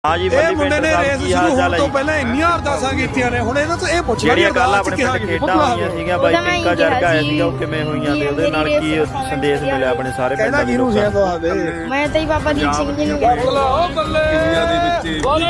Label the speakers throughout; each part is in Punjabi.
Speaker 1: हाँ जी
Speaker 2: ਇਹ ਮੁੰਡੇ ਨੇ ਰੇਸ ਸ਼ੁਰੂ ਹੋਣ ਤੋਂ ਪਹਿਲਾਂ ਇੰਨੀਆਂ ਅਰਦਾਸਾਂ ਕੀਤੀਆਂ ਨੇ ਹੁਣ ਇਹਨਾਂ ਤੋਂ ਇਹ ਪੁੱਛਣਾ
Speaker 1: ਜਿਹੜੀਆਂ ਕੱਲ ਆਪਣੇ ਪਿੰਡ ਖੇਡਾਂ ਹੋਈਆਂ ਸੀਗੀਆਂ ਬਾਈ ਪਿੰਕਾ ਜਰਗ ਆਇਆ ਸੀਗਾ ਉਹ ਕਿਵੇਂ ਹੋਈਆਂ ਤੇ ਉਹਦੇ ਨਾਲ ਕੀ ਸੰਦੇਸ਼ ਮਿਲਿਆ ਆਪਣੇ ਸਾਰੇ ਪਿੰਡ
Speaker 2: ਕਹਿੰਦਾ ਕਿਹਨੂੰ ਸੀ ਦਵਾ ਦੇ
Speaker 3: ਮੈਂ ਤਾਂ ਹੀ ਬਾਬਾ ਦੀਪ ਸਿੰਘ ਜੀ ਨੂੰ ਕਹਿੰਦਾ
Speaker 2: ਉਹ ਬੱਲੇ
Speaker 4: ਦੁਨੀਆ ਦੇ ਵਿੱਚ ਬਹੁਤ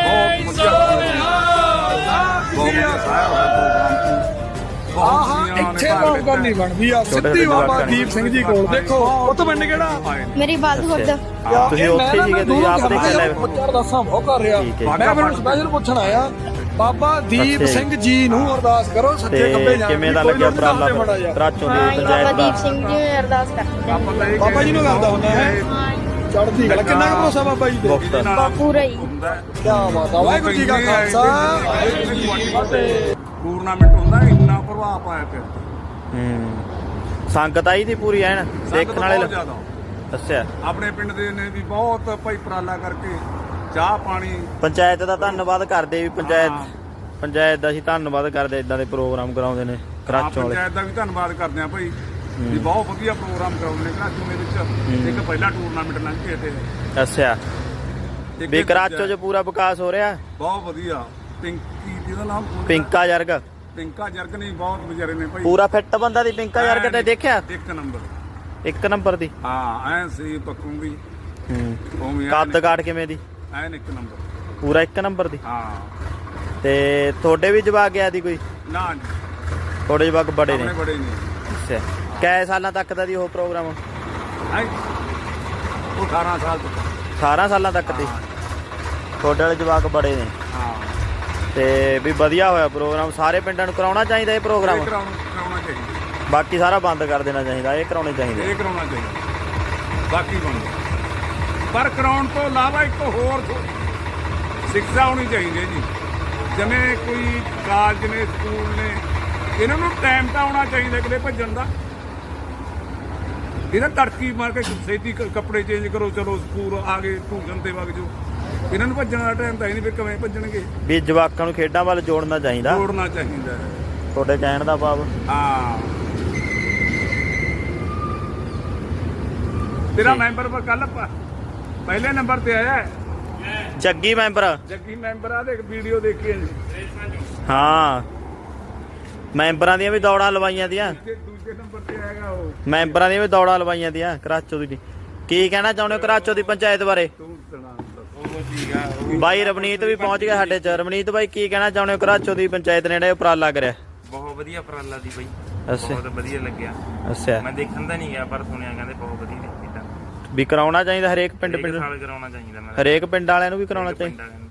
Speaker 2: ਇੱਥੇ ਮੌਕਾ ਨਹੀਂ ਬਣਦੀ ਆ ਸਿੱਧੀ ਬਾਬਾ ਦੀਪ ਸਿੰਘ ਜੀ ਕੋਲ ਦੇਖੋ ਉਹ ਤੋਂ ਪਿੰਡ ਕਿਹੜਾ
Speaker 3: ਮੇਰੀ ਬਾਤ ਖੁਦ
Speaker 1: ਤੁਸੀਂ ਉੱਥੇ ਸੀਗੇ ਤੁਸੀਂ ਆਪ ਦੇਖੇ ਲੈ
Speaker 2: ਅਰਦਾਸਾਂ ਬਹੁਤ ਕਰ ਰਿਹਾ
Speaker 1: ਠੀਕ ਹੈ।
Speaker 2: ਮੈਂ ਫਿਰ ਸਪੈਸ਼ਲ ਪੁੱਛਣ ਆਇਆ ਬਾਬਾ ਦੀਪ ਸਿੰਘ ਜੀ ਨੂੰ ਅਰਦਾਸ ਕਰੋ ਸੱਚੇ ਖੱਬੇ
Speaker 1: ਤੇ
Speaker 2: ਜਾਣ
Speaker 1: ਕਿਵੇਂ ਦਾ ਲੱਗਿਆ ਉਪਰਾਲਾ ਕਰਾਚੋਂ ਦੀ
Speaker 3: ਬਾਬਾ
Speaker 1: ਪੰਚਾਇਤ
Speaker 3: ਦੀਪ
Speaker 1: ਦਾ
Speaker 3: ਸਿੰਘ ਜੀ ਨੂੰ ਅਰਦਾਸ ਕਰਦੇ
Speaker 2: ਬਾਬਾ ਜੀ ਨੂੰ ਕਰਦਾ ਹੁੰਦਾ ਹੈ ਚੜ੍ਹਦੀ ਕਲਾ ਕਿੰਨਾ ਕੁ ਭਰੋਸਾ ਬਾਬਾ ਜੀ ਤੇ
Speaker 3: ਪੂਰਾ ਹੀ
Speaker 2: ਕੀ ਬਾਤ ਆ ਵਾਹਿਗੁਰੂ ਜੀ ਕਾ ਖਾਲਸਾ ਵਾਹਿਗੁਰੂ ਜੀ ਕੀ ਫਤਿਹ
Speaker 4: ਟੂਰਨਾਮੈਂਟ ਹੁੰਦਾ ਇੰਨਾ ਪ੍ਰਭਾਵ ਪਾਇਆ ਪਿਆ
Speaker 1: ਸੰਗਤ ਆਈ ਦੀ ਪੂਰੀ ਐਨ ਦੇਖਣ ਵਾਲੇ
Speaker 4: ਬਹੁਤ ਜ਼ਿਆਦਾ
Speaker 1: ਦੱਸਿਆ
Speaker 4: ਆਪਣੇ ਪਿੰਡ ਦੇ ਨੇ ਵੀ ਬਹੁਤ ਭਾਈ ਉਪਰਾਲਾ ਕਰਕੇ ਚਾਹ ਪਾਣੀ
Speaker 1: ਪੰਚਾਇਤ ਦਾ ਧੰਨਵਾਦ ਕਰਦੇ ਵੀ ਪੰਚਾਇਤ ਦਾ ਅਸੀਂ ਧੰਨਵਾਦ ਕਰਦੇ ਇਦਾਂ ਦੇ ਪ੍ਰੋਗਰਾਮ ਕਰਾਉਂਦੇ ਨੇ ਕਰਾਚੋਂ ਵਾਲੇ
Speaker 4: ਪੰਚਾਇਤ ਦਾ ਵੀ ਧੰਨਵਾਦ ਕਰਦੇ ਆ ਭਾਈ ਵੀ ਬਹੁਤ ਵਧੀਆ ਪ੍ਰੋਗਰਾਮ ਕਰਾਉਂਦੇ ਨੇ ਕਰਾਚੋਂ ਦੇ ਵਿੱਚ ਇੱਕ ਪਹਿਲਾ ਟੂਰਨਾਮੈਂਟ ਲੰਘ ਕੇ ਤੇ
Speaker 1: ਦੱਸਿਆ
Speaker 4: ਇੱਕ
Speaker 1: ਵੀ ਕਰਾਚੋਂ 'ਚ ਪੂਰਾ ਵਿਕਾਸ ਹੋ ਰਿਹਾ
Speaker 4: ਬਹੁਤ ਵਧੀਆ ਪਿੰਕੀ ਜਿਹਦਾ ਨਾਮ
Speaker 1: ਪਿੰਕਾ ਜਰਗ
Speaker 4: ਪਿੰਕਾ ਜਰਗ ਨਹੀਂ ਬਹੁਤ ਵਿਚਾਰੇ ਨੇ ਭਾਈ
Speaker 1: ਪੂਰਾ ਫਿੱਟ ਬੰਦਾ ਦੀ ਪਿੰਕਾ ਜਰਗ ਤੇ ਦੇਖਿਆ
Speaker 4: ਇੱਕ
Speaker 1: 1 ਨੰਬਰ ਦੀ
Speaker 4: ਹਾਂ ਐ ਸੀ ਪੱਕੂ ਵੀ ਉਵੇਂ
Speaker 1: ਕੱਦ ਕਾਠ ਕਿਵੇਂ ਦੀ
Speaker 4: ਐਨ 1 ਨੰਬਰ
Speaker 1: ਪੂਰਾ 1 ਨੰਬਰ ਦੀ
Speaker 4: ਹਾਂ
Speaker 1: ਤੇ ਤੁਹਾਡੇ ਵੀ ਜਵਾਕ ਗਿਆ ਦੀ ਕੋਈ
Speaker 4: ਨਾ
Speaker 1: ਤੁਹਾਡੇ ਜਵਾਕ ਬੜੇ ਨੇ
Speaker 4: ਆਪਣੇ ਬੜੇ ਨੇ
Speaker 1: ਅੱਛਾ ਕੈ ਸਾਲਾਂ ਤੱਕ ਦਾ ਦੀ ਉਹ ਪ੍ਰੋਗਰਾਮ
Speaker 4: ਹੈ ਉਹ 18 ਸਾਲ ਤੋਂ
Speaker 1: 18 ਸਾਲਾਂ ਤੱਕ ਦੀ ਤੁਹਾਡੇ ਵਾਲੇ ਜਵਾਕ ਬੜੇ ਨੇ
Speaker 4: ਹਾਂ
Speaker 1: ਤੇ ਵੀ ਵਧੀਆ ਹੋਇਆ ਪ੍ਰੋਗਰਾਮ ਸਾਰੇ ਪਿੰਡਾਂ ਨੂੰ ਕਰਾਉਣਾ ਚਾਹੀਦਾ ਇਹ ਪ੍ਰੋਗਰਾਮ
Speaker 4: ਇਹ ਕਰਾਉਣਾ ਚਾਹੀਦਾ
Speaker 1: ਬਾਕੀ ਸਾਰਾ ਬੰਦ ਕਰ ਦੇਣਾ ਚਾਹੀਦਾ ਇਹ ਕਰਾਉਣੇ ਚਾਹੀਦੇ
Speaker 4: ਇਹ ਕਰਾਉਣਾ ਚਾਹੀਦਾ ਬਾਕੀ ਬੰਦ ਪਰ ਕਰਾਉਣ ਤੋਂ ਇਲਾਵਾ ਇੱਕ ਹੋਰ ਸਿੱਖਿਆ ਹੋਣੀ ਚਾਹੀਦੀ ਹੈ ਜੀ ਜਿਵੇਂ ਕੋਈ ਕਾਲਜ ਨੇ ਸਕੂਲ ਨੇ ਇਹਨਾਂ ਨੂੰ ਟਾਈਮ ਤਾਂ ਆਉਣਾ ਚਾਹੀਦਾ ਕਿਤੇ ਭੱਜਣ ਦਾ ਇਹਦਾ ਤੜਕੀ ਮਾਰ ਕੇ ਛੇਤੀ ਕੱਪੜੇ ਚੇਂਜ ਕਰੋ ਚਲੋ ਸਕੂਲ ਆ ਗਏ ਟਿਊਸ਼ਨ ਤੇ ਵਗ ਜਾਓ ਇਹਨਾਂ ਨੂੰ ਭੱਜਣ ਦਾ ਟਾਈਮ ਤਾਂ ਹੀ ਨਹੀਂ ਫਿਰ ਕਿਵੇਂ ਭੱਜਣਗੇ
Speaker 1: ਵੀ ਜਵਾਕਾਂ ਨੂੰ ਖੇਡਾਂ ਵੱਲ ਜੋੜਨਾ ਚਾਹੀਦਾ
Speaker 4: ਜੋੜਨਾ ਚਾਹੀਦਾ
Speaker 1: ਤੁਹਾਡੇ ਕਹਿਣ ਦਾ ਭਾਵ
Speaker 4: ਹਾਂ ਤੇਰਾ ਮੈਂਬਰ ਪਰ ਕੱਲ ਪਹਿਲੇ ਨੰਬਰ ਤੇ ਆਇਆ
Speaker 1: ਜੱਗੀ ਮੈਂਬਰ
Speaker 4: ਜੱਗੀ ਮੈਂਬਰ ਆ ਦੇਖ ਵੀਡੀਓ ਦੇਖੀ ਜੀ
Speaker 1: ਹਾਂ ਮੈਂਬਰਾਂ ਦੀਆਂ ਵੀ ਦੌੜਾਂ ਲਵਾਈਆਂ ਦੀਆਂ
Speaker 4: ਦੂਜੇ ਨੰਬਰ ਤੇ ਆਏਗਾ ਉਹ
Speaker 1: ਮੈਂਬਰਾਂ ਦੀਆਂ ਵੀ ਦੌੜਾਂ ਲਵਾਈਆਂ ਦੀਆਂ ਕਰਾਚੋ ਦੀ ਕੀ ਕਹਿਣਾ ਚਾਹੁੰਦੇ ਹੋ ਕਰਾਚੋ ਦੀ ਪੰਚਾਇਤ ਬਾਰੇ
Speaker 4: ਤੂੰ ਸੁਣਾ
Speaker 1: ਬਾਈ ਰਵਨੀਤ ਵੀ ਪਹੁੰਚ ਗਿਆ ਸਾਡੇ ਚ ਰਵਨੀਤ ਬਾਈ ਕੀ ਕਹਿਣਾ ਚਾਹੁੰਦੇ ਹੋ ਕਰਾਚੋ ਦੀ ਪੰਚਾਇਤ ਨੇ ਜਿਹੜਾ ਉਪਰਾਲਾ ਕਰਿਆ
Speaker 5: ਬਹੁਤ ਵਧੀਆ ਉਪਰਾਲਾ ਦੀ ਬਈ
Speaker 1: ਅੱਛਾ
Speaker 5: ਬਹੁਤ ਵਧੀਆ ਲੱਗਿਆ
Speaker 1: ਅੱਛਾ
Speaker 5: ਮੈਂ ਦੇਖਣ ਤਾਂ ਨਹੀਂ ਗਿਆ ਪਰ ਸੁਣਿਆ ਕਹਿੰਦੇ ਬਹੁਤ ਵਧੀਆ ਕੀਤਾ
Speaker 1: ਵੀ ਕਰਾਉਣਾ ਚਾਹੀਦਾ ਹਰੇਕ ਪਿੰਡ
Speaker 5: ਸਾਲ ਕਰਾਉਣਾ ਚਾਹੀਦਾ ਮੈਂ
Speaker 1: ਹਰੇਕ ਪਿੰਡ ਵਾਲਿਆਂ ਨੂੰ ਵੀ ਕਰਾਉਣਾ ਚਾਹੀਦਾ
Speaker 5: ਪਿੰਡ ਵਾਲਿਆਂ ਨੂੰ